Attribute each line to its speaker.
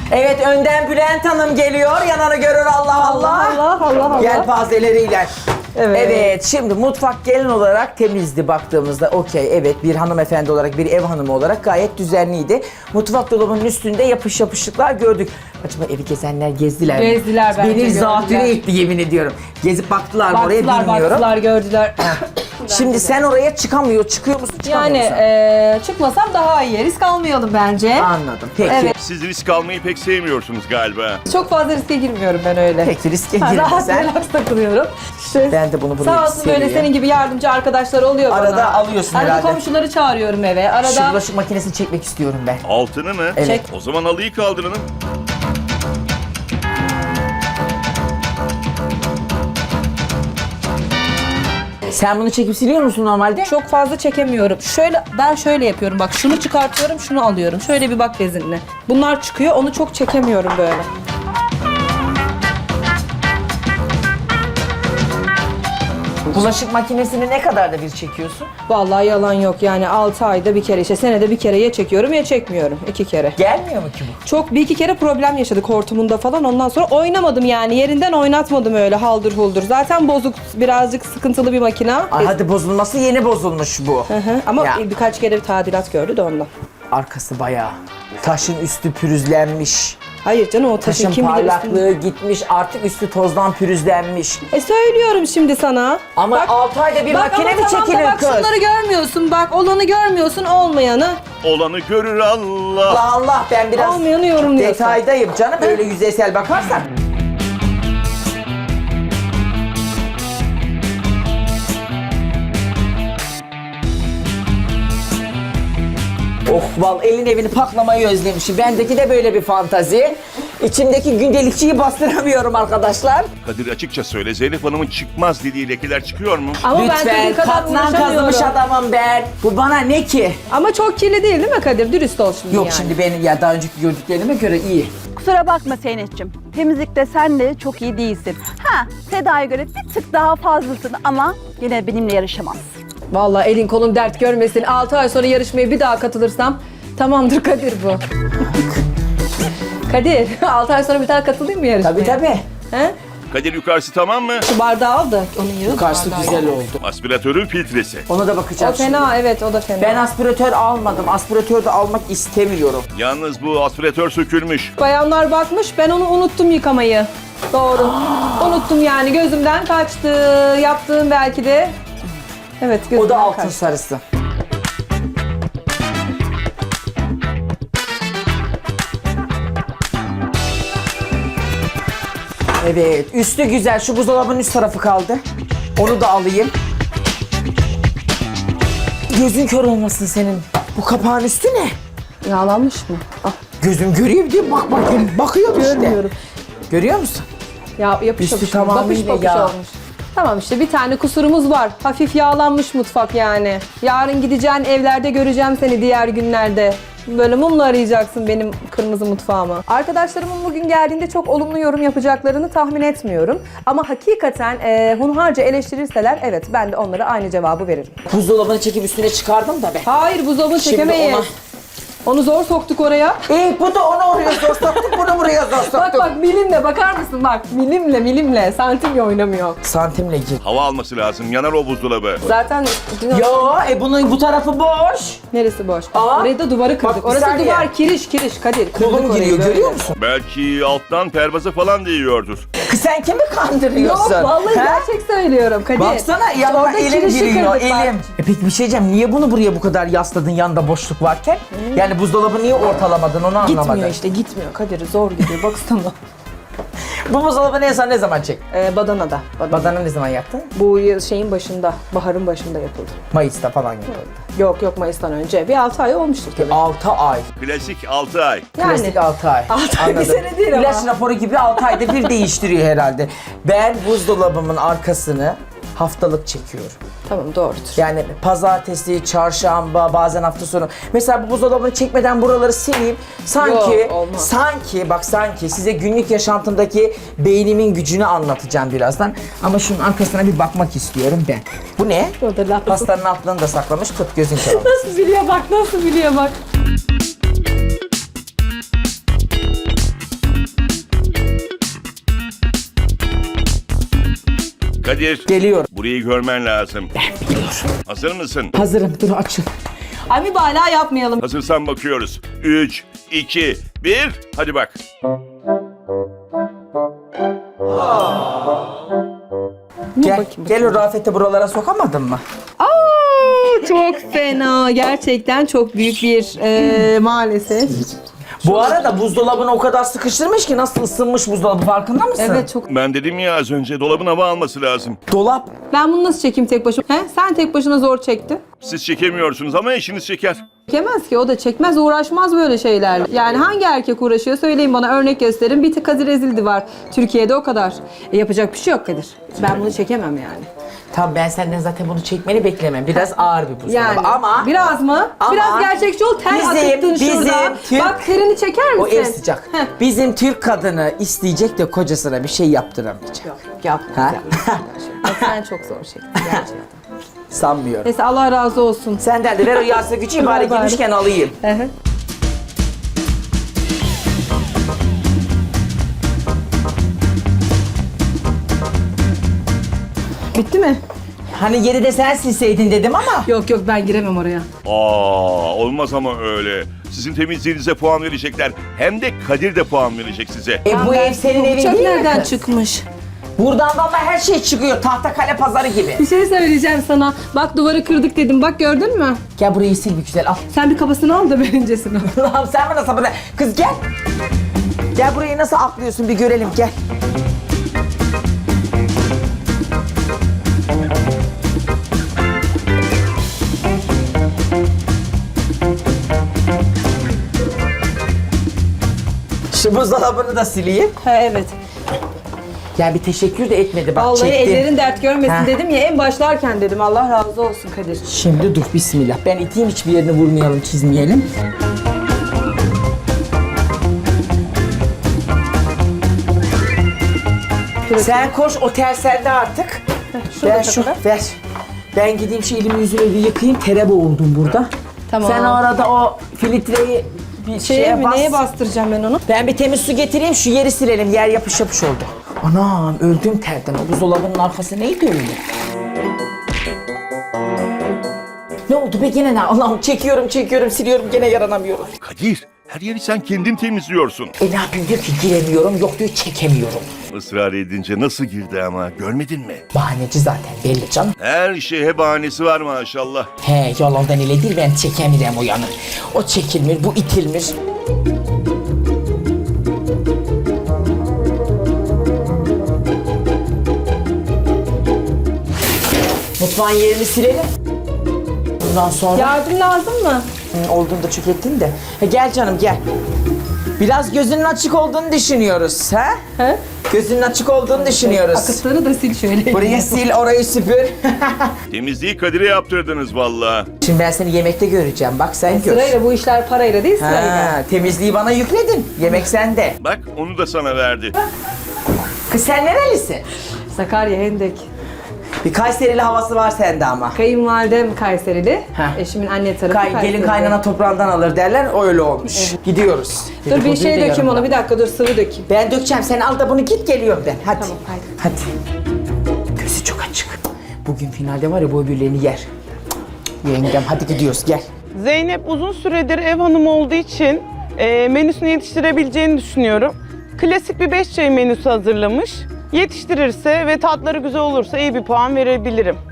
Speaker 1: Evet, önden Bülent Hanım geliyor. Yananı görür Allah Allah.
Speaker 2: Allah.
Speaker 1: Yelpazeleriyle.
Speaker 2: Evet.
Speaker 1: Evet, şimdi mutfak gelin olarak temizdi baktığımızda. Okey, evet, bir hanımefendi olarak, bir ev hanımı olarak gayet düzenliydi. Mutfak dolabının üstünde yapışıklar gördük. Acaba evi gezenler gezdiler mi?
Speaker 2: Gezdiler bence,
Speaker 1: Beni zatüre
Speaker 2: gördüler.
Speaker 1: etti yemin ediyorum. Gezip baktılar mı oraya bilmiyorum.
Speaker 2: Baktılar, gördüler.
Speaker 1: Şimdi sen oraya çıkıyor musun, çıkamıyor
Speaker 2: Yani
Speaker 1: musun?
Speaker 2: çıkmasam daha iyi. Risk almayalım bence.
Speaker 1: Anladım, peki.
Speaker 2: Evet.
Speaker 3: Siz risk almayı pek sevmiyorsunuz galiba.
Speaker 2: Çok fazla riske girmiyorum ben öyle.
Speaker 1: Peki, riske
Speaker 2: Rahat
Speaker 1: girmesen.
Speaker 2: relax takılıyorum. İşte
Speaker 1: Ben de bunu
Speaker 2: sağ olsun böyle
Speaker 1: seviyorum.
Speaker 2: senin gibi yardımcı arkadaşlar oluyor bana.
Speaker 1: Arada alıyorsun
Speaker 2: Arada
Speaker 1: herhalde.
Speaker 2: komşuları çağırıyorum eve.
Speaker 1: Şu
Speaker 2: Arada
Speaker 1: bulaşık makinesini çekmek istiyorum ben.
Speaker 3: Altını mı?
Speaker 1: Evet.
Speaker 2: Çek.
Speaker 3: O zaman halıyı kaldırın.
Speaker 1: Sen bunu çekip siliyor musun normalde?
Speaker 2: çok fazla çekemiyorum. Ben şöyle yapıyorum bak. Şunu çıkartıyorum, şunu alıyorum. Şöyle bir bak bezinle. Bunlar çıkıyor. Onu çok çekemiyorum böyle.
Speaker 1: Bulaşık makinesini ne kadar da bir çekiyorsun?
Speaker 2: Vallahi yalan yok. Yani 6 ayda bir kere, işte senede bir kere ya çekiyorum ya çekmiyorum. 2 kere.
Speaker 1: Gelmiyor mu ki bu?
Speaker 2: Çok bir iki kere problem yaşadık hortumunda falan. Ondan sonra oynamadım yani. Yerinden oynatmadım öyle haldır huldur. Zaten bozuk, birazcık sıkıntılı bir makine.
Speaker 1: Ay, hadi bozulması yeni bozulmuş bu.
Speaker 2: Ama
Speaker 1: Ya,
Speaker 2: birkaç kere bir tadilat gördü de ondan.
Speaker 1: arkası bayağı. Taşın üstü pürüzlenmiş.
Speaker 2: Hayır canım, o taşın
Speaker 1: Taşın
Speaker 2: kim bilir üstünde.
Speaker 1: parlaklığı gitmiş. Artık üstü tozdan pürüzlenmiş.
Speaker 2: Söylüyorum şimdi sana.
Speaker 1: Ama
Speaker 2: Bak,
Speaker 1: 6 ayda bir makine mi
Speaker 2: ama tamam da
Speaker 1: çekilir
Speaker 2: bak,
Speaker 1: kız?
Speaker 2: şunları görmüyorsun. Bak olanı görmüyorsun, olmayanı.
Speaker 3: Olanı görür Allah.
Speaker 1: Allah Allah, ben biraz
Speaker 2: Olmayanı yorumluyorsun.
Speaker 1: detaydayım canım. Öyle yüzeysel bakarsan. Oh, elin evini paklamayı özlemişim. Bendeki de böyle bir fantazi. İçimdeki gündelikçiyi bastıramıyorum arkadaşlar.
Speaker 3: Kadir açıkça söyle, Zeynep Hanım'ın çıkmaz dediği lekeler çıkıyor mu?
Speaker 2: Ama ben
Speaker 1: Lütfen,
Speaker 2: senin kadar
Speaker 1: katlan
Speaker 2: uğraşamıyorum.
Speaker 1: kazımış adamım ben. Bu bana ne ki?
Speaker 2: Ama çok kirli değil mi Kadir? Dürüst ol şimdi
Speaker 1: Yok
Speaker 2: yani.
Speaker 1: şimdi benim ya daha önceki gördüklerime göre iyi.
Speaker 4: Kusura bakma Zeynep'ciğim. Temizlikte sen de çok iyi değilsin. Seda'ya göre bir tık daha fazlasın ama yine benimle yarışamazsın.
Speaker 2: Vallahi elin kolun dert görmesin. 6 ay sonra yarışmaya bir daha katılırsam tamamdır Kadir bu. Kadir 6 ay sonra bir daha katılayım mı yarışmaya?
Speaker 1: Tabii tabii.
Speaker 2: He?
Speaker 3: Kadir yukarısı tamam mı?
Speaker 2: Şu bardağı al da onun yağı.
Speaker 1: Karşı
Speaker 2: bardağı.
Speaker 1: güzel oldu.
Speaker 3: Aspiratörün filtresi.
Speaker 1: Ona da
Speaker 2: O
Speaker 1: bakacağız şimdi.
Speaker 2: fena, evet o da fena.
Speaker 1: Ben aspiratör almadım. Aspiratör de almak istemiyorum.
Speaker 3: Yalnız bu aspiratör sökülmüş.
Speaker 2: Bayanlar bakmış, ben onu unuttum yıkamayı. Doğru. Unuttum yani, gözümden kaçtı. Yaptığım belki de. Evet, gözümden
Speaker 1: O da altın
Speaker 2: kaçtı.
Speaker 1: sarısı. Evet, üstü güzel. Şu buzdolabının üst tarafı kaldı. Onu da alayım. Gözün kör olmasın senin. Bu kapağın üstü ne?
Speaker 2: Yağlanmış mı? Ah,
Speaker 1: Gözüm görüyor diye bak bakayım. Bakıyorum işte.
Speaker 2: görmüyorum.
Speaker 1: Görüyor musun?
Speaker 2: Ya yapış
Speaker 1: Üstü
Speaker 2: yapış.
Speaker 1: tamamıyla
Speaker 2: Bakış
Speaker 1: yağ.
Speaker 2: olmuş. Tamam işte bir tane kusurumuz var. Hafif yağlanmış mutfak yani. Yarın gideceğin evlerde göreceğim seni diğer günlerde. Böyle mumla arayacaksın benim kırmızı mutfağımı. Arkadaşlarımın bugün geldiğinde çok olumlu yorum yapacaklarını tahmin etmiyorum. Ama hakikaten hunharca eleştirirseler evet ben de onlara aynı cevabı veririm.
Speaker 1: Buzdolabını çekip üstüne çıkardım da ben.
Speaker 2: Hayır, buzdolabını
Speaker 1: Şimdi
Speaker 2: çekemeyiz. Onu zor soktuk oraya.
Speaker 1: Bu da onu oraya zor soktuk, bunu buraya zor soktuk.
Speaker 2: Bak bak, milimle bakar mısın bak, milimle santimle oynamıyor.
Speaker 1: Santimle gir.
Speaker 3: Hava alması lazım. Yanar o buzdolabı.
Speaker 2: Zaten
Speaker 1: Yo, bunun bu tarafı boş.
Speaker 2: neresi boş?
Speaker 1: Aa,
Speaker 2: Orayı da duvarı kırdık.
Speaker 1: bak bir
Speaker 2: Orası
Speaker 1: saniye.
Speaker 2: duvar, kiriş Kadir. Kırdık
Speaker 1: Kolum
Speaker 2: orayı
Speaker 1: giriyor,
Speaker 2: böyle.
Speaker 1: görüyor musun?
Speaker 3: Belki alttan pervazı falan değiyordur.
Speaker 1: Kız sen kimi kandırıyorsun?
Speaker 2: Yok vallahi
Speaker 1: He?
Speaker 2: gerçek söylüyorum Kadir.
Speaker 1: Baksana yanıma
Speaker 2: Orada
Speaker 1: elim
Speaker 2: kirişi
Speaker 1: giriyor,
Speaker 2: kırdık bak.
Speaker 1: elim. Peki bir şey diyeceğim, niye bunu buraya bu kadar yasladın yanında boşluk varken? Yani buzdolabı niye ortalamadın onu anlamadım.
Speaker 2: Gitmiyor işte, gitmiyor Kadir, zor gidiyor baksana.
Speaker 1: Bu buzdolabı ne zaman çek?
Speaker 2: Badana'da.
Speaker 1: Badana ne zaman yaktın?
Speaker 2: Bu şeyin başında, baharın başında yapıldı.
Speaker 1: Mayıs'ta falan yapıldı.
Speaker 2: Yok Mayıs'tan önce. Bir 6 ay olmuştur tabii.
Speaker 1: 6 ay.
Speaker 3: Klasik 6 ay.
Speaker 2: Yani.
Speaker 1: Klasik 6 ay.
Speaker 2: 6 ay bir
Speaker 1: Anladım.
Speaker 2: sene değil ama.
Speaker 1: İlaç raporu gibi 6 ayda bir değiştiriyor herhalde. Ben buzdolabımın arkasını haftalık çekiyorum.
Speaker 2: Tamam, doğrudur.
Speaker 1: Yani pazartesi, çarşamba, bazen hafta sonu. Mesela bu buzdolabını çekmeden buraları sileyim. Sanki,
Speaker 2: Yok, olmaz.
Speaker 1: sanki size günlük yaşantımdaki beynimin gücünü anlatacağım birazdan. Ama şunun arkasına bir bakmak istiyorum ben. Bu ne?
Speaker 2: O da laf.
Speaker 1: Pastanın altlarını da saklamış. Tut gözün kör olsun.
Speaker 2: Nasıl biliyor bak, nasıl biliyor bak.
Speaker 3: Kadir.
Speaker 1: Geliyorum.
Speaker 3: Burayı görmen lazım.
Speaker 1: Ben biliyorum.
Speaker 3: Hazır mısın?
Speaker 1: Hazırım. Dur açıl.
Speaker 2: Ay mübalağa yapmayalım.
Speaker 3: Hazırsan bakıyoruz. 3, 2, 1. Hadi bak.
Speaker 1: Gel.
Speaker 2: bakayım.
Speaker 1: Gel o Rafet'i buralara sokamadın mı?
Speaker 2: Aa, çok fena. Gerçekten çok büyük bir maalesef.
Speaker 1: Bu arada buzdolabını o kadar sıkıştırmış ki nasıl ısınmış buzdolabı farkında mısın?
Speaker 2: Evet çok.
Speaker 3: Ben dedim ya az önce dolabın hava alması lazım.
Speaker 1: Dolap.
Speaker 2: Ben bunu nasıl çekeyim tek başıma? He? Sen tek başına zor çektin.
Speaker 3: Siz çekemiyorsunuz ama eşiniz çeker.
Speaker 2: Çekemez ki, o da çekmez, uğraşmaz böyle şeylerle. Yani hangi erkek uğraşıyor söyleyin bana, örnek gösterin. Bir tık Kadir Ezildi var Türkiye'de, o kadar. Yapacak bir şey yok Kadir. Ben bunu çekemem yani.
Speaker 1: Tamam ben senden zaten bunu çekmeni beklemem. Biraz ağır bir buzdolabı
Speaker 2: Yani
Speaker 1: ama
Speaker 2: biraz mı?
Speaker 1: Ama
Speaker 2: Biraz gerçekçi ol. Ter akıttın şurada.
Speaker 1: Türk-
Speaker 2: Bak terini çeker
Speaker 1: o
Speaker 2: misin?
Speaker 1: ev sıcak.
Speaker 2: Heh.
Speaker 1: Bizim Türk kadını isteyecek de kocasına bir şey yaptıramayacak.
Speaker 2: Yok yapma.
Speaker 1: Ha?
Speaker 2: Bak sen çok zor çektin gerçekten.
Speaker 1: Sanmıyorum.
Speaker 2: Neyse Allah razı olsun.
Speaker 1: Senden de ver o yağsa gücü bari
Speaker 2: Bari.
Speaker 1: gitmişken alayım.
Speaker 2: Hı hı. Bitti mi?
Speaker 1: Hani yeri de sen silseydin dedim ama.
Speaker 2: Yok yok, ben giremem oraya.
Speaker 3: Olmaz ama öyle. Sizin temizliğinize puan verecekler. Hem de Kadir de puan verecek size.
Speaker 1: Bu ev senin evin
Speaker 2: Bıçak
Speaker 1: değil mi
Speaker 2: nereden
Speaker 1: kız?
Speaker 2: çıkmış?
Speaker 1: Buradan valla her şey çıkıyor. Tahtakale pazarı gibi.
Speaker 2: Bir şey söyleyeceğim sana. Bak duvarı kırdık dedim. Bak gördün mü?
Speaker 1: Gel burayı sil bir güzel al.
Speaker 2: Sen bir kafasını al da ben öncesini al.
Speaker 1: Allah'ım sen bana sabır ver. Kız gel. Gel burayı nasıl atlıyorsun bir görelim gel. Şu buzdolabını da sileyim.
Speaker 2: Ha evet.
Speaker 1: Ya bir teşekkür de etmedi bak
Speaker 2: Vallahi
Speaker 1: çektim.
Speaker 2: ellerin dert görmesin
Speaker 1: Ha.
Speaker 2: dedim ya, en başlarken dedim. Allah razı olsun Kadir.
Speaker 1: Şimdi dur bismillah. Ben iteyim hiçbir yerini vurmayalım çizmeyelim. Sen koş otel sende artık. Ver şu ver. Ben gideyim şu elimi yüzümü bir yıkayayım. Tere boğuldum burada.
Speaker 2: Tamam.
Speaker 1: Sen o arada o filtreyi bir şeye
Speaker 2: mi,
Speaker 1: bas.
Speaker 2: neye bastıracağım ben onu?
Speaker 1: Ben bir temiz su getireyim şu yeri silelim. Yer yapış yapış oldu. Anam öldüm terden. O buzdolabının arkası neydi öyle? Ne oldu be gene ne? Allah'ım çekiyorum siliyorum gene yaranamıyorum.
Speaker 3: Kadir, her yeri sen kendin temizliyorsun.
Speaker 1: Ne yapayım diyor ki giremiyorum yok diyor çekemiyorum.
Speaker 3: Israr edince nasıl girdi ama görmedin mi?
Speaker 1: Bahaneci zaten belli canım.
Speaker 3: Her şeye bahanesi var maşallah.
Speaker 1: He yalandan ile değil ben çekemiyorum o yanı. O çekilmir bu itilmir. Mutfağın yerini silelim. Bundan sonra...
Speaker 2: Yardım lazım mı?
Speaker 1: Olduğunu da çok ettin de. Gel canım gel. Biraz gözünün açık olduğunu düşünüyoruz. Ha?
Speaker 2: He?
Speaker 1: Gözünün açık olduğunu düşünüyoruz.
Speaker 2: Akıtları da sil şöyle.
Speaker 1: Burayı sil, orayı süpür.
Speaker 3: Temizliği Kadir'e yaptırdınız valla.
Speaker 1: Şimdi ben seni yemekte göreceğim. Bak sen gör.
Speaker 2: Sırayla, bu işler parayla değil sırayla.
Speaker 1: Ha, temizliği bana yükledin. Yemek sende.
Speaker 3: Bak onu da sana verdi.
Speaker 1: Kız sen nerelisin?
Speaker 2: Sakarya, Hendek.
Speaker 1: Bir Kayserili havası var sende ama.
Speaker 2: Kayınvalidem Kayserili.
Speaker 1: Heh.
Speaker 2: Eşimin anne tarafı Kayserili.
Speaker 1: Gelin kaynana toprağından alır derler. Öyle olmuş. Gidiyoruz.
Speaker 2: Dur bir
Speaker 1: Dedikoduyu
Speaker 2: şey
Speaker 1: da
Speaker 2: dökeyim
Speaker 1: yarın
Speaker 2: ona,
Speaker 1: bak.
Speaker 2: bir dakika dur, sıvı dökeyim.
Speaker 1: Ben dökeceğim. Sen al da bunu git geliyorum ben. Hadi.
Speaker 2: Tamam, haydi.
Speaker 1: Hadi. Gözü çok açık. Bugün finalde var ya bu öbürlerini yer. Yengem hadi gidiyoruz gel.
Speaker 5: Zeynep uzun süredir ev hanımı olduğu için menüsünü yetiştirebileceğini düşünüyorum. Klasik bir 5 çayı menüsü hazırlamış. Yetiştirirse ve tatları güzel olursa iyi bir puan verebilirim.